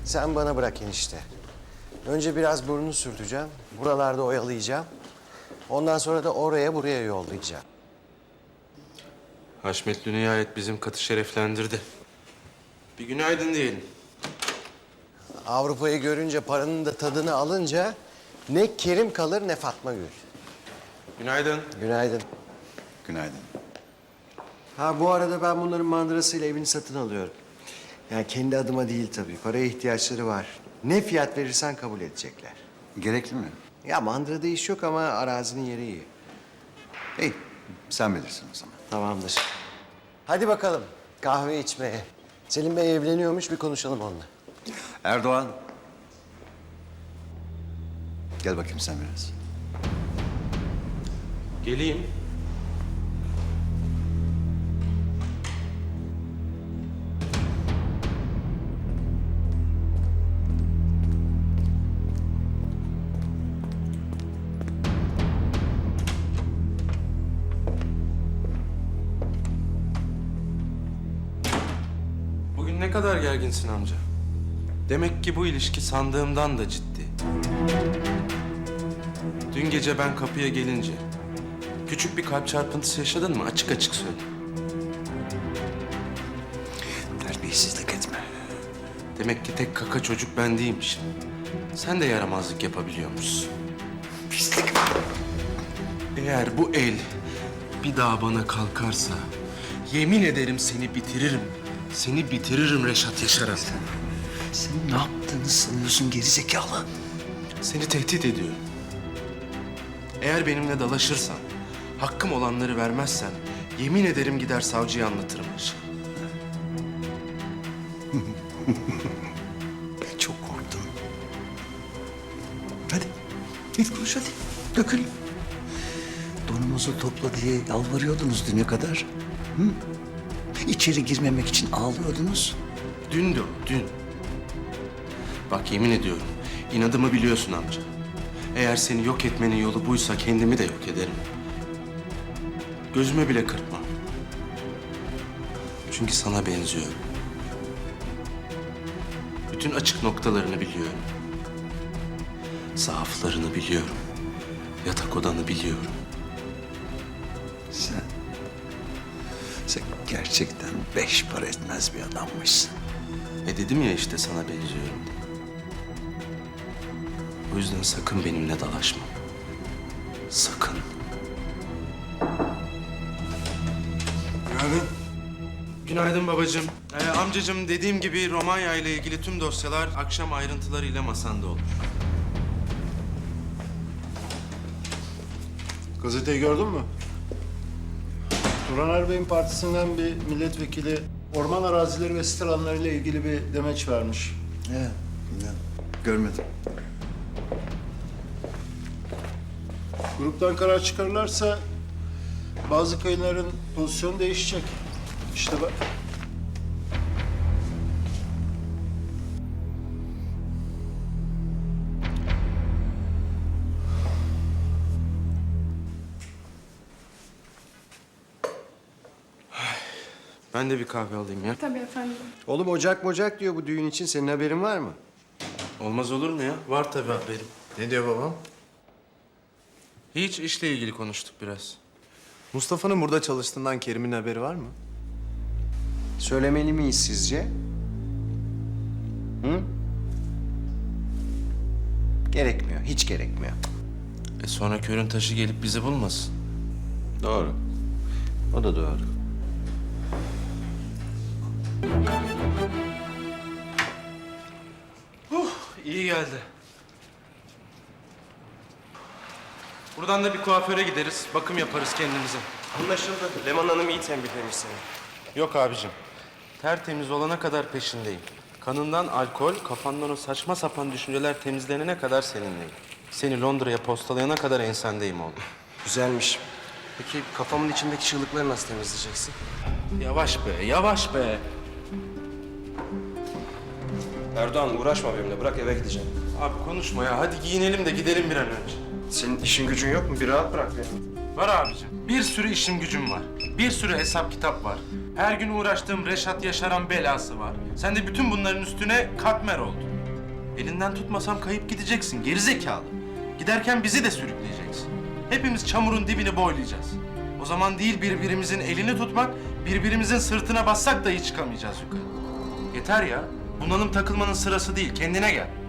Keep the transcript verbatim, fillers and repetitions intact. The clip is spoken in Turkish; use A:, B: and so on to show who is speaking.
A: Sen bana bırak enişte. Önce biraz burnunu sürteceğim. Buralarda oyalayacağım. Ondan sonra da oraya buraya yollayacağım.
B: Haşmetli nihayet bizim katı şereflendirdi. Bir günaydın diyelim.
A: Avrupa'yı görünce, paranın da tadını alınca ne Kerim kalır ne Fatma Gül.
B: Günaydın.
A: Günaydın.
C: Günaydın.
A: Ha bu arada ben bunların mandırasıyla evini satın alıyorum. Yani kendi adıma değil tabii. Paraya ihtiyaçları var. Ne fiyat verirsen kabul edecekler.
C: Gerekli mi?
A: Ya mandırada iş yok ama arazinin yeri iyi.
C: İyi, sen bilirsin o zaman.
A: Tamamdır. Hadi bakalım kahve içmeye. Selim Bey evleniyormuş, bir konuşalım onunla.
C: Erdoğan. Gel bakayım sen biraz.
B: Geleyim. Bugün ne kadar gerginsin amca? Demek ki bu ilişki sandığımdan da ciddi. Dün gece ben kapıya gelince küçük bir kalp çarpıntısı yaşadın mı? Açık açık söyle.
C: Terbiyesizlik etme.
B: Demek ki tek kaka çocuk ben değilmişim. Sen de yaramazlık yapabiliyormuşsun.
C: Pislik.
B: Eğer bu el bir daha bana kalkarsa yemin ederim seni bitiririm. Seni bitiririm Reşat Yaşar'a.
C: Sen ne yaptığını sanıyorsun gerizekalı?
B: Seni tehdit ediyorum. Eğer benimle dalaşırsan, hakkım olanları vermezsen yemin ederim gider savcıya anlatırım her şeyi.
C: Çok korktum. Hadi, git konuş hadi. Dökül. Donumuzu topla diye yalvarıyordunuz düne kadar. Hı? İçeri girmemek için ağlıyordunuz.
B: Dün de o, dün. Bak yemin ediyorum, inadımı biliyorsun amca. Eğer seni yok etmenin yolu buysa kendimi de yok ederim. Gözüme bile kırpmam. Çünkü sana benziyorum. Bütün açık noktalarını biliyorum. Zaaflarını biliyorum. Yatak odanı biliyorum.
C: Sen, sen gerçekten beş para etmez bir adammışsın.
B: E dedim ya işte sana benziyorum. O yüzden sakın benimle dalaşma. Sakın.
A: Günaydın.
B: Günaydın babacığım. Ee, amcacığım dediğim gibi Romanya ile ilgili tüm dosyalar akşam ayrıntılarıyla masanda olur.
D: Gazeteyi gördün mü? Turan Erbey'in partisinden bir milletvekili orman arazileri ve sit alanlarıyla ilgili bir demeç vermiş.
C: He, bilmem. Görmedim.
D: Gruptan karar çıkarırlarsa bazı kayınların pozisyonu değişecek. İşte bak.
B: Ben de bir kahve alayım ya.
E: Tabii efendim.
A: Oğlum ocak mocak diyor bu düğün için. Senin haberin var mı?
B: Olmaz olur mu ya? Var tabii haberim.
F: Ne diyor babam?
B: Hiç işle ilgili konuştuk biraz.
F: Mustafa'nın burada çalıştığından Kerim'in haberi var mı?
A: Söylemeli miyiz sizce? Hı? Gerekmiyor, hiç gerekmiyor.
B: E sonra körün taşı gelip bizi bulmasın.
A: Doğru. O da doğru.
B: İyi geldi. Buradan da bir kuaföre gideriz. Bakım yaparız kendimize.
G: Anlaşıldı. Leman Hanım iyi tembihlemiş seni.
B: Yok abicim. Tertemiz olana kadar peşindeyim. Kanından alkol, kafandan o saçma sapan düşünceler temizlenene kadar seninleyim. Seni Londra'ya postalayana kadar ensendeyim oğlum.
G: Güzelmiş. Peki kafamın içindeki çığlıkları nasıl temizleyeceksin?
B: Yavaş be, yavaş be.
G: Erdoğan uğraşma benimle. Bırak eve gideceğim.
B: Abi konuşma ya. Hadi giyinelim de gidelim bir an önce.
G: Senin işin gücün yok mu? Bir rahat bırak beni.
B: Var abicim. Bir sürü işim gücüm var. Bir sürü hesap kitap var. Her gün uğraştığım Reşat Yaşar'ın belası var. Sen de bütün bunların üstüne katmer oldun. Elinden tutmasam kayıp gideceksin, geri zekalı. Giderken bizi de sürükleyeceksin. Hepimiz çamurun dibini boylayacağız. O zaman değil birbirimizin elini tutmak, birbirimizin sırtına bassak dahi çıkamayacağız yukarı. Yeter ya, bunalım takılmanın sırası değil, kendine gel.